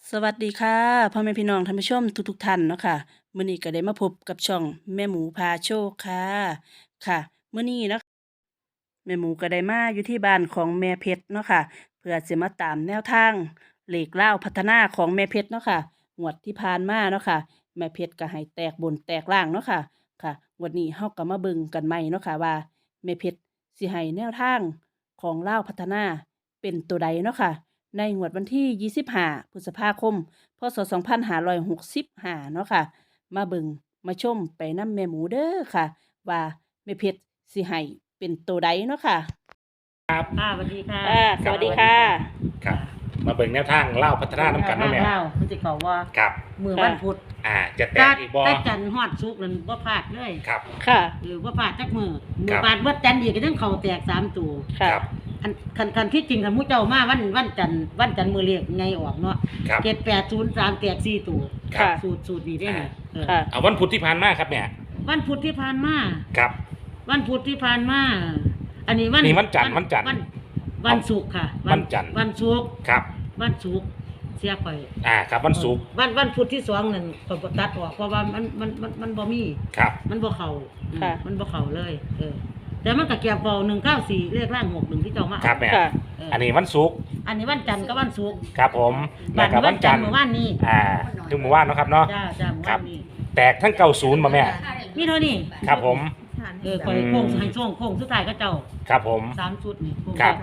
สวัสดีค่ะพ่อแม่พี่น้องท่านผู้ชมทุกท่านเนาะค่ะมื้อนี้ก็ได้มาพบกับช่องแม่หมูพาโชคค่ะค่ะมื้อนี้เนาะแม่หมูก็ได้มาอยู่ที่บ้านของแม่เพชรเนาะค่ะเพื่อสิมาตามแนวทางเลขเล่าวพัฒนาของแม่เพชรเนาะค่ะงวดที่ผ่านมาเนาะค่ะแม่เพชรก็ให้แตกบนแตกล่างเนาะค่ะค่ะงวดนี้เฮาก็มาเบิ่งกันใหม่เนาะค่ะว่าแม่เพชรสิให้แนวทางของเล่าวพัฒนาเป็นตัวใดเนาะค่ะในงวดวันที่25พฤษภาคม พศ2565เนาะค่ะมาเบิ่งมาชมไปนำแม่หมูเด้อค่ะว่าแม่เพชรสิให้เป็นตัวใดเนาะค่ะครับสวัสดีค่ะสวัสดีค่ะครับมาเบิ่งแนวทางเล่าพัฒนาน้ำกันเนาะแม่เล่าคือสิเขาว่าครับมือวันพุธจะแตกอีกบ่แต่จันทร์ฮอดสุกนั่นบ่พลาดเลยครับค่ะหรือบ่พลาดจักมือพลาดบ่จันทร์อีกก็ต้องเข้าแตก3ตัวค่ะคันที่จริงคันหมู่เจ้ามาวันจันทร์มื้อเลขไงออกเนาะ7803แตก4ตัวค่ะสูตรนี้ได้ไงค่ะเอาวันพุธที่ผ่านมาครับแม่วันพุธที่ผ่านมาครับวันพุธที่ผ่านมาอันนี้วันจันทร์วันศุกร์ค่ะวันจันทร์วันศุกร์ครับวันศุกร์เสียข่อยครับวันศุกร์วันพุธที่2นั่นก็ตัดออกเพราะว่ามันบ่มีครับมันบ่เข้าค่ะมันบ่เข้าเลยแต่มันก็เกี่ยวกับ194เลขล่าง61ที่เจ้ามาครับแม่อันนี้วันศุกร์อันนี้วันจันทร์กับวันศุกร์ครับผมแล้วก็วันจันทร์เมื่อวานนี้ถึงเมื่อวานเนาะครับเนาะจ้าเมื่อวานนี้แตกทั้ง90มาแม่มีเท่านี้ครับผมข่อยโค้งให้ช่วงโค้งสุดท้ายก็เจ้าครับผม 3ชุดนี่โค้งครับ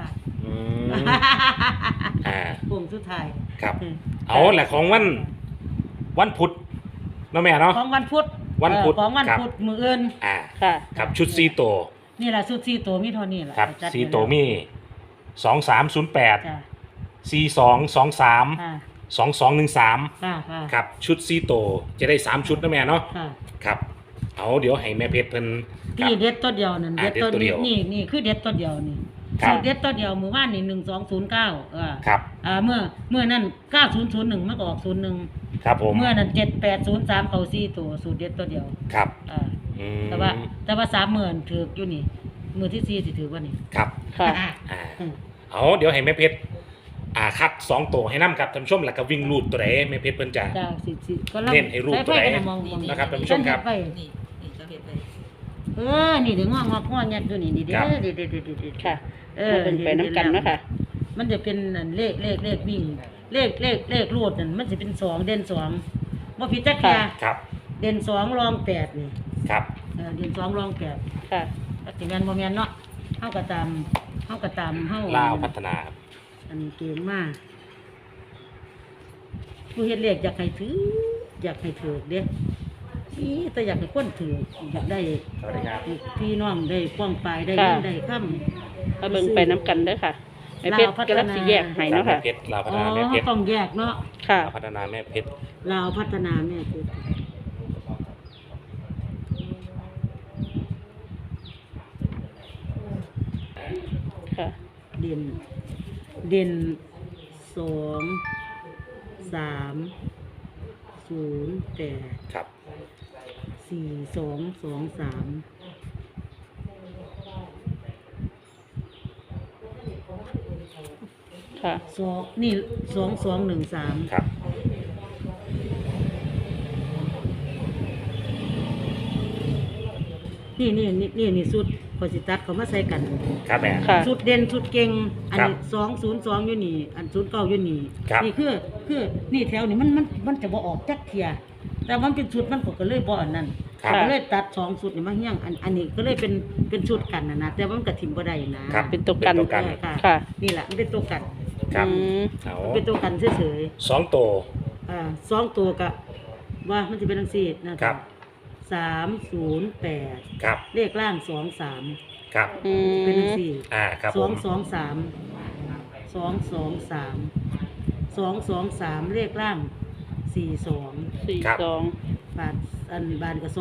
โค้งสุดท้ายครับเอาแหละของวันพุธเนาะแม่เนาะของวันพุธของวันพุธมื้ออื่นค่ะครับชุด4ตัวนี่ล่ะชุด4ตัวมีเท่านี้ล่ะครับ4ตัวมี2308 4223 2213ครับชุด4ตัวจะได้3ชุดนะแม่เนาะครับเอาเดี๋ยวให้แม่เพชรเพิ่นที่เด็ดตัวเดียวนั่นเด็ดตัวเดียวนี่คือเด็ดตัวเดียวนี่เด็ดตัวเดียวมื้อวานนี่1209 ครับเมื่อนั้น9001มันก็ออก01 ครับผมเมื่อนั้น7803เข้า4ตัวสูตรเด็ดตัวเดียวครับแต่ว่า3มื้อถูกอยู่นี่มื้อที่4สิถูกว่านี่ครับค่ะเอาเดี๋ยวให้แม่เพชรคัด2ตัวให้นำครับท่านผู้ชมแล้วก็วิ่งรูดตัวใดแม่เพชรเพิ่นจะก็เน้นให้รูดตัวใดนะครับท่านผู้ชมครับนี่เดี๋ยวงอกยัดอยู่นี่เด้ค่ะเป็นไปน้ำกันเนาะค่ะมันจะเป็นเลขวิ่งเลขรูดนั่นมันจะเป็น2เด่น2บ่ผิดจักแค่ครับเด่น2รอง8นี่ครับเด่น2รอง8 ค่ะสิแม่นบ่แม่นเนาะเฮาก็ตามเฮาลาวพัฒนาครับอันนี้เก่งมากผู้เฮ็ดเลขอยากให้ถืออยากให้ถูกเด้แต่อยากให้คนถืออยากได้พี่น้องได้ป้องปลายได้เงินได้ค่ำมาเบิ่งไปน้ำกันเด้อค่ะแม่เพชรกำลังสิแยกให้เนาะค่ะลาวพัฒนาแม่เพชรต้องแยกเนาะค่ะพัฒนาแม่เพชรลาวพัฒนาแม่เพชรค่ะเด่น2 3 0 8 ครับ 4223 ค่ะนี่2213 ครับนี่สุดพอสิตัดเขามาใส่กันครับแม่สุดเด่นสุดเก่งอันนี้202อยู่นี่อัน09อยู่นี่นี่คือนี่แถวนี้มันจะบ่ออกจักเที่ยแต่มันเป็นชุดมันก็เลยบ่อันนั้นก็เลยตัด2ชุดนี่มาเฮี้ยงอันนี้ก็เลยเป็นชุดกันนะแต่ว่ามันก็ทิ่มบ่ได้นะเป็นตัวกันค่ะนี่แหละมันเป็นตัวกันครับเป็นตัวกันเฉยๆ2ตัว 2ตัวก็ว่ามันสิเป็นจังซี่นะครับ308 ครับเลขล่าง23 ครับเป็นจังซี่ครับ 223เลขล่าง42บานก็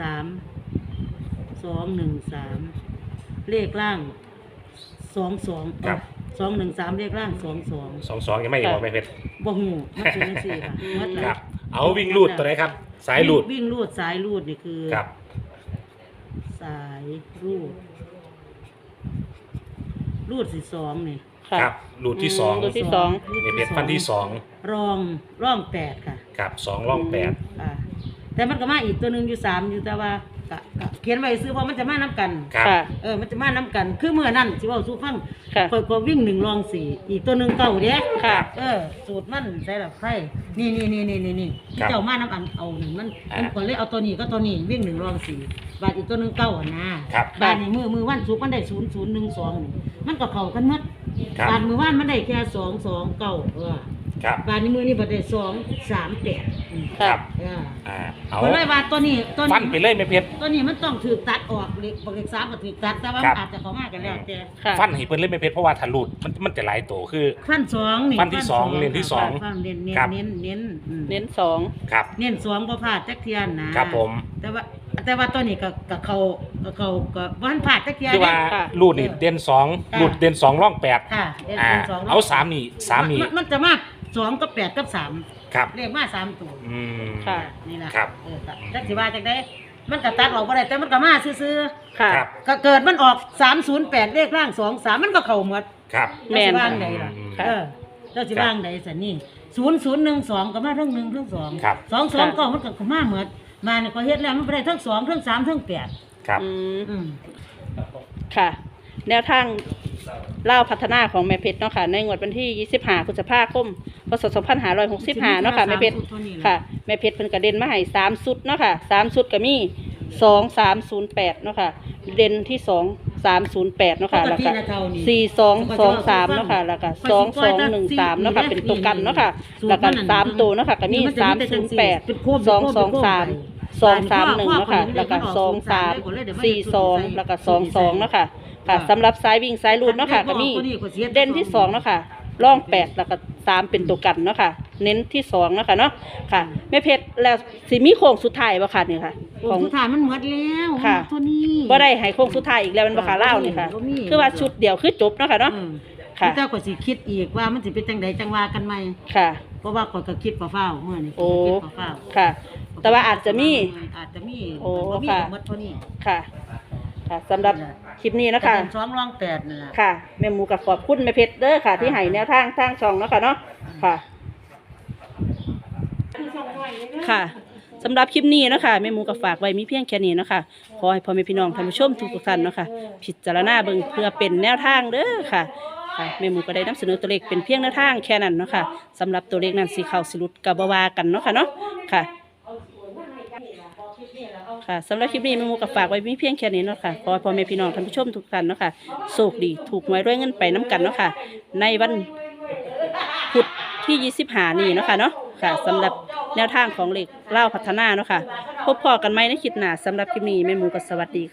213เลขล่าง22 ครับ 213เลขล่าง 22ยังไม่บอกแม่เพชรบ่ฮู้มันเป็นจังซี่ค่ะครับเอาวิ่งรูดตัวไหนครับสายรูดวิ่งรูดสายรูดนี่คือครับสายรูด12นี่ค่ะครับรูทที่สองรูทที่สองแม่เพชรฟันที่สองร่อง8ค่ะครับสองร่องแปดค่ะแต่มันก็มาอีกตัวหนึงอยู่3อยู่แต่ว่าก็เขียนไว้ซื้อเพราะมันจะมานํกันครับค่ะมันจะมานํกันคือเมื่อนั้นสิเว้าสู่ฟังค่ะก็วิ่ง1รอง4อีกตัวหนึงเก่าเด้ค่ะสูตรมันใส่ละไผนี่ที่เจ้ามานํอันเอาหนึ่งมันก็เลยเอาตัวนี้ก็ตัวนี้วิ่ง1รอง4บาทอีกตัวหนึงเก่าอ่ะนะครับ บาทนี้มือวันศุกร์มันได้0012นี่มันก็เข้ากันหมดครับบาทมื้อวานมันได้แค่229 ครับบาทนี้มื้อนี้บ่ได้238 ครับอ่าเอาเพราะเลยว่าตัวนี้ฟันไปเลยแม่เพชรตัวนี้มันต้องถูกตัดออกเล็กบอกเล็ก3ก็ถูกตัดแต่ว่าครับอาจจะเข้ามากันแล้วแต่ค่ะฟันให้เพิ่นเลยแม่เพชรเพราะว่าถ้าหลุดมันจะหลายโตคือฟัน2นี่ฟันที่สองเน้นที่สองฟันเน้นครับเน้นเน้นอืมเน้นสองครับเน้น2บ่พลาดจักเที่ยนะครับผมแต่ว่าตัวนี้ก็เขาก็บ่ทันพลาดจักเที่ยคือว่าค่ะรูดนี่เด่นสองค่ะรูดเด่นสองร่องแปดค่ะเน้นอ่า 2 เอาสามนี่สามนี่มันจะมา2กับ8กับ3 ครับเลขมา3ตัวอืมค่ะนี่ล่ะครับจักสิว่าจักได้มันก็ตัดออกบ่ได้แต่มันก็มาซื่อค่ะครับๆก็เกิดมันออก308เลขล่าง23มันก็เข้าหมดครับแม่นเจ้าสิว่างใดล่ะค่ะเจ้าสิว่างใดสันนี่0012ก็มาทั้ง1ทั้ง2 ครับ 2ก็มันก็มาเหมือนมาเนี่ยก็เฮ็ดแล้วมันบ่ได้ทั้ง2ทั้ง3ทั้ง8 ครับอืมอืมค่ะ แนวทางเล่าวพัฒนาของแม่เพชรเนาะค่ะ ในงวดวันที่25พฤษภาคมพศ2565เนาะค่ะแม่เพชรค่ะแม่เพชรเพิ่นก็เด่นมาให้3ชุดเนาะค่ะ3ชุดก็มี2308เนาะค่ะเด่นที่2308เนาะค่ะแล้วก็4223เนาะค่ะแล้วก็2213เนาะค่ะเป็นตัวกันเนาะค่ะแล้วก็3ตัวเนาะค่ะก็มี308 223 231เนาะค่ะแล้วก็23 42แล้วก็22เนาะค่ะค่ะสำหรับสายวิ่งสายรูดเนาะค่ะก็มีเด่นที่2เนาะค่ะร่อง8แล้วก็3เป็นตัวกันเนาะค่ะเน้นที่2เนาะค่ะเนาะค่ะแม่เพชรแล้วสิมีโค้งสุดท้ายบ่ค่ะนี่ค่ะของสุดท้ายมันหมดแล้วค่ะตัวนี้บ่ได้ให้โค้งสุดท้ายอีกแล้วมันบ่ค่ะเล่าวนี่ค่ะบ่มีคือว่าชุดเดียวคือจบเนาะค่ะเนาะ ค่ะเจ้าก็สิคิดอีกว่ามันสิเป็นจังใดจังว่ากันใหม่ค่ะเพราะว่าข่อยก็คิดเฝ้าๆเมื่อนี้โอ้คิดเฝ้าๆค่ะ แต่ว่าอาจจะมีอาจจะมีโอ้บ่มีค่ะก็หมดเท่านี้ค่ะ ค่ะสำหรับคลิปนี้นะคะแต่เป็น2รอง8นั่นล่ะค่ะแม่หมูกับขอบคุณแม่เพชรเด้อค่ะ ที่ให้แนวทางทางช่องเนาะค่ะเนาะค่ะ ค่ะสำหรับคลิปนี้เนาะคะแม่หมูกับฝากไว้มีเพียงแค่นี้เนาะคะขอให้พ่อแม่พี่น้องท่านผู้ชมทุกๆท่านเนาะค่ะพิจารณาเบิ่งเพื่อเป็นแนวทางเด้อค่ะค่ะแม่หมูก็ได้นำเสนอตัวเลขเป็นเพียงแนวทางแค่นั้นเนาะค่ะสำหรับตัวเลขนั้นสิเข้าสิหลุดก็บ่ว่ากันเนาะค่ะเนาะค่ะค่ะสำหรับคลิปนี้แม่หมูก็ฝากไว้มีเพียงแค่นี้เนาะค่ะขอให้พ่อแม่พี่น้องท่านผู้ชมทุกท่านเนาะค่ะโชคดีถูกหวยรวยเงินไปน้กันเนาะค่ะในวันพุธที่25นี้เนาะค่ะเนาะค่ะสำหรับแนวทางของเลขเล่าวพัฒนาเนาะค่ะพบพอกันไหมในคลิปหน้าสำหรับคลิปนี้แม่หมูก็สวัสดี